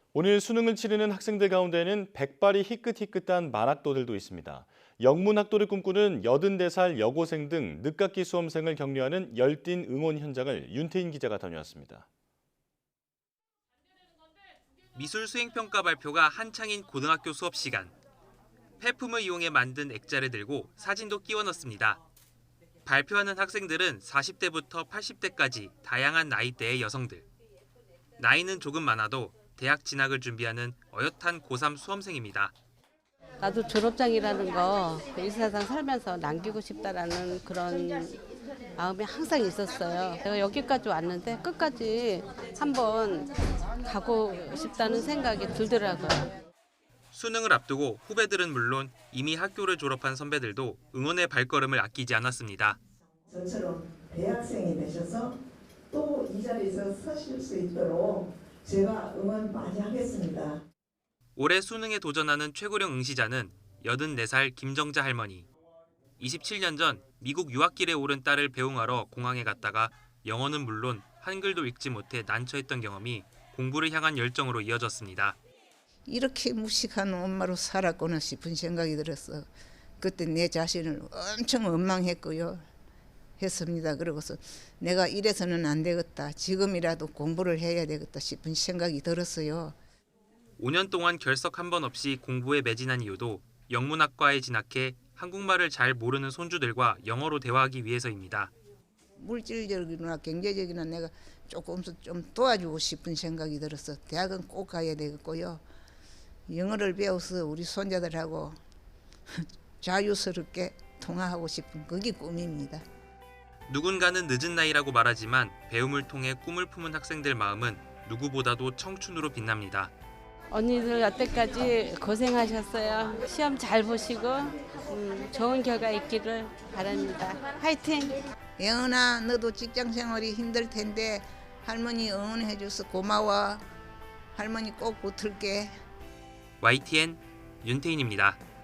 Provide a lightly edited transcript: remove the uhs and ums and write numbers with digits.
오늘 수능을 치르는 학생들 가운데는 백발이 희끗희끗한 만학도들도 있습니다. 영문학도를 꿈꾸는 84살 여고생 등 늦학기 수험생을 격려하는 열띤 응원 현장을 윤태인 기자가 다녀왔습니다. 미술 수행평가 발표가 한창인 고등학교 수업 시간. 폐품을 이용해 만든 액자를 들고 사진도 끼워 넣습니다. 발표하는 학생들은 40대부터 80대까지 다양한 나이대의 여성들. 나이는 조금 많아도 대학 진학을 준비하는 어엿한 고3 수험생입니다. 나도 졸업장이라는 거 이 세상 살면서 남기고 싶다라는 그런 마음이 항상 있었어요. 내가 여기까지 왔는데 끝까지 한번 가고 싶다는 생각이 들더라고요. 수능을 앞두고 후배들은 물론 이미 학교를 졸업한 선배들도 응원의 발걸음을 아끼지 않았습니다. 저처럼 대학생이 되셔서 또 이 자리에서 서실 수 있도록 제가 응원 많이 하겠습니다. 올해 수능에 도전하는 최고령 응시자는 84살 김정자 할머니. 27년 전 미국 유학길에 오른 딸을 배웅하러 공항에 갔다가 영어는 물론 한글도 읽지 못해 난처했던 경험이 공부를 향한 열정으로 이어졌습니다. 이렇게 무식한 엄마로 살았구나 싶은 생각이 들었어. 그때 내 자신을 엄청 원망했고요. 했습니다. 그러고서 내가 이래서는 안 되겠다. 지금이라도 공부를 해야 되겠다 싶은 생각이 들었어요. 5년 동안 결석 한 번 없이 공부에 매진한 이유도 영문학과에 진학해 한국말을 잘 모르는 손주들과 영어로 대화하기 위해서입니다. 물질적이나 경제적이나 내가 조금씩 좀 도와주고 싶은 생각이 들어서 대학은 꼭 가야 되겠고요. 영어를 배워서 우리 손자들하고 자유스럽게 통화하고 싶은 그게 꿈입니다. 누군가는 늦은 나이라고 말하지만 배움을 통해 꿈을 품은 학생들 마음은 누구보다도 청춘으로 빛납니다. 언니들 여태까지 고생하셨어요. 시험 잘 보시고 좋은 결과 있기를 바랍니다. 화이팅! 예은아, 너도 직장 생활이 힘들 텐데 할머니 응원해줘서 고마워. 할머니 꼭 붙을게. YTN 윤태인입니다.